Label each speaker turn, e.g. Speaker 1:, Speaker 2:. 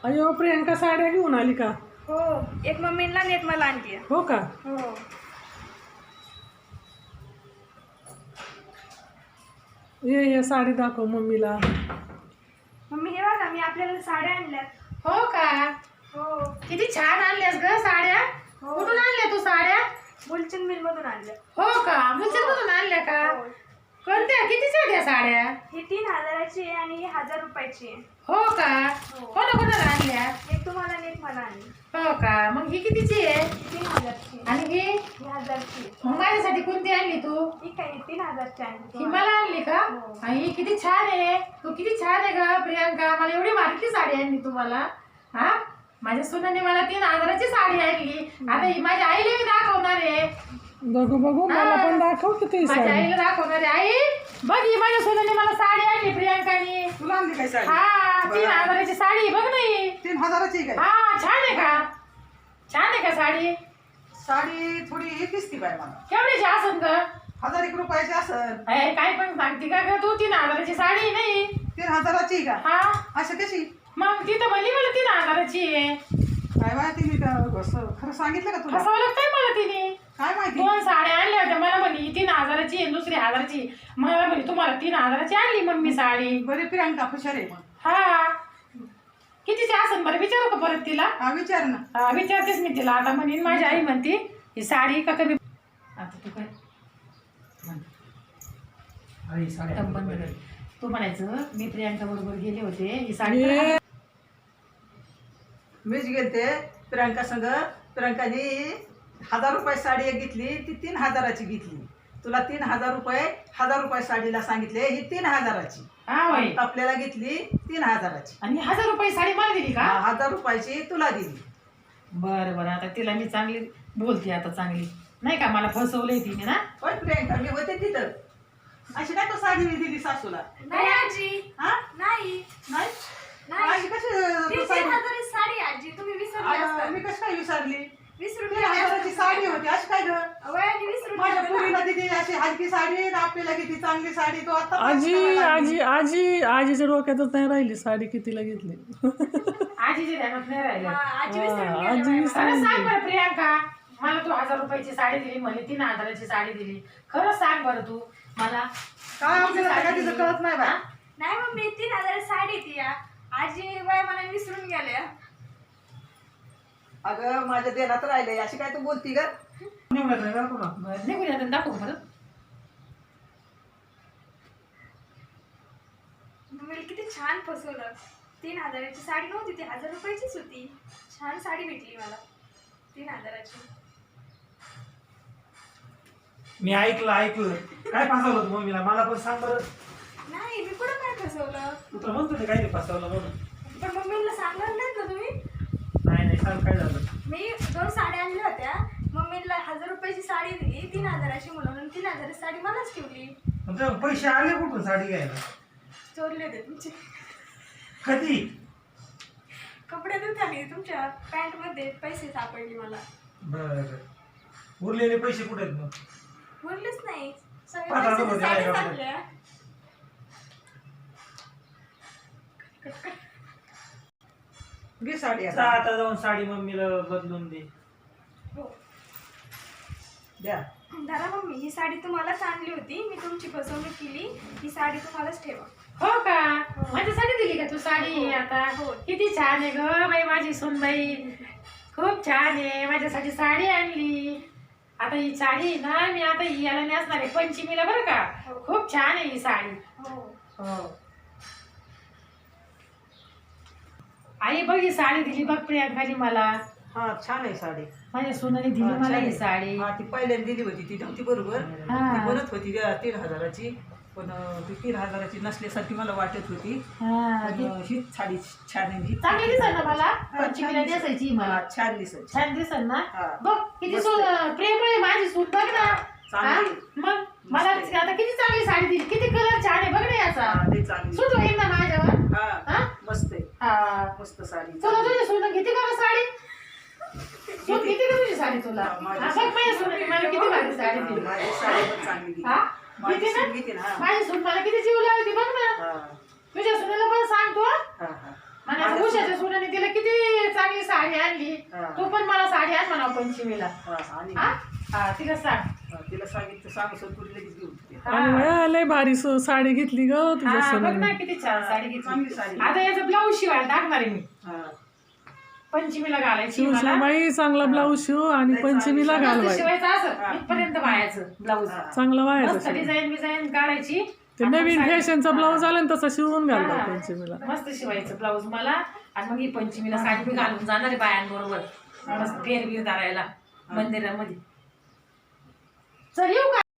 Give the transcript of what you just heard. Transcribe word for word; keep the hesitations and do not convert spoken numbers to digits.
Speaker 1: अयो प्रियंका साड्या घेऊन आली का?
Speaker 2: हो, एक मम्मीला आणि एक मला आणली.
Speaker 1: हो का?
Speaker 2: हो.
Speaker 1: ये ये साडी दाखव मम्मीला.
Speaker 2: मम्मी हे बघा मी आपल्याला साड्या आणल्यात.
Speaker 3: हो का?
Speaker 2: हो.
Speaker 3: किती छान आणल्यास ग साड्या.
Speaker 2: हो.
Speaker 3: कुठून आणल्या तू साड्या?
Speaker 2: बुलचंद मिल मधून आणल्या.
Speaker 3: हो का? मुलचंद मधून आणल्या का?
Speaker 2: हो.
Speaker 3: कोणत्या कितीच्या द्या साड्या?
Speaker 2: ही तीन हजाराची आहे आणि ही हजार रुपयाची आहे.
Speaker 3: हो का?
Speaker 2: हो.
Speaker 3: कोणा कोणाला आणल्या?
Speaker 2: एक तुम्हाला आणि एक मला आणली.
Speaker 3: हो का? मग ही कितीची आहे?
Speaker 2: ही तीन हजारची आहे.
Speaker 3: आणि ही
Speaker 2: ही हजारची आहे.
Speaker 3: मग माझ्यासाठी कोणती आणली तू?
Speaker 2: ही काय ही तीन हजारची आणली.
Speaker 3: ही मला आणली का?
Speaker 2: हो.
Speaker 3: आणि ही किती छान आहे. तू किती छान आहे ग प्रियांका. मला एवढी मार्की साडी आणली तुम्हाला. हा, माझ्या सुनाने मला तीन हजाराची साडी आणली. आता ही माझ्या आईला मी दाखवणार आहे.
Speaker 1: बघू बघू मला पण दाखव किती
Speaker 3: माझ्या
Speaker 1: साडी.
Speaker 3: आईला दाखवणार आहे. आई बघ ही माझ्या सुनाने मला साडी आणली प्रियांकाने.
Speaker 4: तुला आणली काय साडी?
Speaker 3: हा, तीन हजाराची साडी बघ नाही.
Speaker 4: तीन हजाराची काय?
Speaker 3: हा, छान आहे का? छान आहे का साडी?
Speaker 4: साडी थोडी हे दिसती बाय मला.
Speaker 3: केवढ्याची असन ग?
Speaker 4: हजार एक रुपयाची असल.
Speaker 3: अय, काय पण सांगते का ग तू? तीन हजाराची साडी नाही.
Speaker 4: तीन हजाराची का?
Speaker 3: हा,
Speaker 4: असं कशी
Speaker 3: मग ती तर म्हणली मला तीन हजाराची आहे.
Speaker 4: काय बाय तिने का- असं खरं सांगितलं का तुला?
Speaker 3: फसवलं काय मला तिने?
Speaker 4: काय माहिती?
Speaker 3: दोन साड्या आणल्या होत्या. मला म्हणली तीन हजाराची आहे, दुसरी हजाराची. मला म्हणली तुम्हाला तीन हजाराची आणली मम्मी साडी.
Speaker 4: बरे प्रियांका हुशार आहे मग.
Speaker 3: हा, कितीची असन बरं विचारू का परत तिला?
Speaker 4: हा विचार ना.
Speaker 3: हा, विचारतेच मी तिला. आता म्हणेन माझी आई म्हणते ही साडी का कमी. आता तू काय म्हण. एकदम बंद कर. तू म्हणायचं मी प्रियांका बरोबर गेले होते ही साडी
Speaker 1: ये.
Speaker 4: मीच गेलते प्रियांका संग. प्रियांकाने हजार रुपये साडी एक घेतली, ती तीन हजाराची घेतली. तुला तीन हजार रुपये हजार रुपये साडीला सांगितले, ही तीन हजाराची.
Speaker 3: हा होय.
Speaker 4: आपल्याला घेतली तीन हजाराची.
Speaker 3: आणि हजार रुपये साडी मला दिली का?
Speaker 4: हा, हजार रुपयाची तुला दिली.
Speaker 3: बरं बरं, आता तिला मी चांगली बोलते आता चांगली. नाही का मला फसवलंय तिने ना.
Speaker 4: पण प्रियांका मी होते तिथं. अशी काय तो साडी मी दिली सासूला?
Speaker 2: नाही आजी.
Speaker 4: हा?
Speaker 2: नाही.
Speaker 4: नाही?
Speaker 2: नाही.
Speaker 4: अशी कशी
Speaker 2: ती
Speaker 4: तू
Speaker 2: तीन
Speaker 4: साडी-
Speaker 2: हजाराची साडी आजी तुम्ही विसरले
Speaker 4: आ,
Speaker 2: असता.
Speaker 4: मी कशी काय विसरली?
Speaker 2: वीस
Speaker 4: तीन
Speaker 2: रुपये
Speaker 4: हजाराची साडी होती. अशी काय ग?
Speaker 2: वयाने वीस
Speaker 4: माझ्या
Speaker 2: रुपये
Speaker 4: पुरीला दिली अशी हलकी साडी आणि आपल्याला किती चांगली साडी. तो आता
Speaker 1: आजी आजी आजी आजीच्या डोक्यातच नाही राहिली साडी कितीला घेतली.
Speaker 3: आजीच्या ध्यानात नाही राहिलं.
Speaker 2: आजी
Speaker 1: हा,
Speaker 2: विसरून
Speaker 1: आजी
Speaker 2: गेल्या बाई.
Speaker 1: विसरून-
Speaker 3: खरं सांग बरं प्रियांका, मला तू हजार रुपयाची साडी दिली म्हणे तीन हजाराची साडी दिली. खरं सांग बरं तू मला.
Speaker 4: काय आपल्याला काय तिचं कळत नाही बा.
Speaker 2: नाही मम्मी तीन हजार साडी ती या आजी वय मला विसरून गेल्या.
Speaker 4: अगं माझ्या देण्यात राहिले. अशी काय तू बोलती ग?
Speaker 3: बरं, निघून या दाखवू बरं.
Speaker 2: मम्मीला किती छान फसवलं. तीन हजाराची साडी नव्हती ती हजार रुपयाचीच होती. छान साडी भेटली मला तीन हजाराची.
Speaker 5: मी ऐकलं ऐकलं काय फसवलं होतं मम्मीला? मला पण सांग बरं.
Speaker 2: नाही मी कुठं काय फसवलं.
Speaker 5: तू तर म्हणतो ते काय नाही फसवलं म्हणून.
Speaker 2: पण मम्मीला सांगणार नाहीत ना तुम्ही.
Speaker 5: नाही नाही सांग काय झालं.
Speaker 2: मी दोन साड्या आणल्या होत्या. मम्मीला हजार रुपयाची साडी दिली तीन हजाराची म्हणून आणि तीन हजाराची साडी मलाच ठेवली.
Speaker 5: मग तुला पैसे आले कुठून साडी घ्यायला?
Speaker 2: चोरले होते तुमचे
Speaker 5: कधी?
Speaker 2: कपडे धुताना तुमच्या पॅन्ट मध्ये पैसे सापडले मला.
Speaker 5: बर, उरलेले पैसे कुठे आहेत मग?
Speaker 2: बोललेच नाही सगळे
Speaker 5: पाच हजार
Speaker 2: पैसे
Speaker 5: होते
Speaker 2: साड्या
Speaker 5: माझ्याकडे.
Speaker 2: टाकल्या.
Speaker 4: घे साडी
Speaker 5: जा
Speaker 4: आता.
Speaker 5: आता जाऊन साडी मम्मीला बदलून दे.
Speaker 2: हो
Speaker 4: द्या.
Speaker 2: दादा मम्मी ही साडी तुम्हालाच आणली होती. मी तुमची फसवणूक केली. ही साडी तुम्हालाच ठेवा.
Speaker 3: हो का? माझ्यासाठी दिली का तू साडी? आता
Speaker 2: हो.
Speaker 3: किती छान आहे ग बाई माझी सूनबाई. खूप छान आहे. माझ्यासाठी साडी आणली. आता ही साडी आहे ना मी आता ही याला नेसणार आहे पंचमीला बरं का.
Speaker 2: हो.
Speaker 3: खूप छान आहे ही साडी.
Speaker 2: हो
Speaker 3: हो. आई बघ ही साडी दिली बघ प्रियांकाने मला.
Speaker 4: हा छान आहे साडी.
Speaker 3: माझ्या सुनाने दिली
Speaker 4: हा,
Speaker 3: मला
Speaker 4: छान
Speaker 3: ही
Speaker 4: आहे.
Speaker 3: साडी.
Speaker 4: हा ती पहिल्यांदा दिली होती ती नव्हती बरोबर.
Speaker 3: हा.
Speaker 4: ती म्हणत होती त्या तीन हजाराची. पण अं, ती तीन हजाराची नसल्यासारखी मला वाटत होती.
Speaker 3: हा,
Speaker 4: पण
Speaker 3: ती
Speaker 4: अं, ही साडी छान आहे. ही-
Speaker 3: चांगली दिसत ना मला.
Speaker 4: हा,
Speaker 3: पंचमीला
Speaker 4: छान दिसत.
Speaker 3: नेसायची मला.
Speaker 4: हा, छान दिसत.
Speaker 3: छान दिसत ना.
Speaker 4: हा.
Speaker 3: बघ किती
Speaker 4: मस्त
Speaker 3: सून
Speaker 4: आहे.
Speaker 3: प्रेम आहे माझी सून बघ ना.
Speaker 4: चांगली.
Speaker 3: हा? मग मला आता किती चांगली साडी दिली. किती कलर छान आहे बघ ना याचा.
Speaker 4: हा, लई चांगली.
Speaker 3: सूट होईल ना माझ्यावर.
Speaker 4: हा
Speaker 3: हा?
Speaker 4: मस्त आहे.
Speaker 3: हा.
Speaker 4: मस्त साडी.
Speaker 3: तुला तुझी सून घेते का गं साडी? सून घेते का तुझी साडी तुला?
Speaker 4: हा, माझी
Speaker 3: हा, बघ माझ्या सून मला किती भारी साडी
Speaker 4: हा,
Speaker 3: दिली.
Speaker 4: माझी साडी पण चांगली दिली.
Speaker 3: हा?
Speaker 4: माझी
Speaker 3: घेते
Speaker 4: सून
Speaker 3: ना?
Speaker 4: घेते ना. हा.
Speaker 3: माझी सून मला किती जीव लावते बघ ना.
Speaker 4: हा,
Speaker 3: तुझ्या सुनेला पण सांगतो.
Speaker 4: हा, हा.
Speaker 3: आणि आता
Speaker 4: माझ्या
Speaker 3: उषाच्या सुनाने तिला किती म्हणा पंचमीला
Speaker 4: हा, आणि
Speaker 3: हा हा तिला सांग
Speaker 4: हा, तिला सांगितलं सांगू सर तुला लगेच घेऊन येते.
Speaker 1: आणि बाया, लय भारी सो- साडी घेतली ग तुझ्या
Speaker 3: हा बघ ना
Speaker 1: सोन्याने.
Speaker 3: किती छान साडी
Speaker 4: चांगली
Speaker 3: घेतली
Speaker 4: साडी.
Speaker 3: आता याचा ब्लाऊज शिवायला टाकणार आहे मी
Speaker 4: हा.
Speaker 3: पंचमीला घालायची
Speaker 1: शिव
Speaker 3: मला
Speaker 1: बाई चांगला ब्लाऊज शिव आणि
Speaker 4: लय
Speaker 1: पंचमीला
Speaker 4: चांगली
Speaker 1: घाल
Speaker 3: मस्त
Speaker 1: बाई.
Speaker 3: शिवायचं
Speaker 4: हा.
Speaker 3: असं इथपर्यंत बायाचं ब्लाऊज
Speaker 4: हा.
Speaker 1: चांगला व्हायचं
Speaker 3: मस्त
Speaker 1: शिव.
Speaker 3: डिझाईन बिझाईन काढायची
Speaker 1: ते
Speaker 3: आणि
Speaker 1: नवीन
Speaker 3: साडी-
Speaker 1: फॅशनचा
Speaker 3: हा.
Speaker 1: ब्लाऊज आला ना तसा शिवून घाल बाई
Speaker 3: हा.
Speaker 1: पंचमीला.
Speaker 3: मस्त शिवायचं ब्लाऊज मला आणि मग ही पंचमीला साडी मी घालून जाणार आहे बायांबरोबर मस्त फेर बीर धरायला मंदिरामध्ये चल येऊ का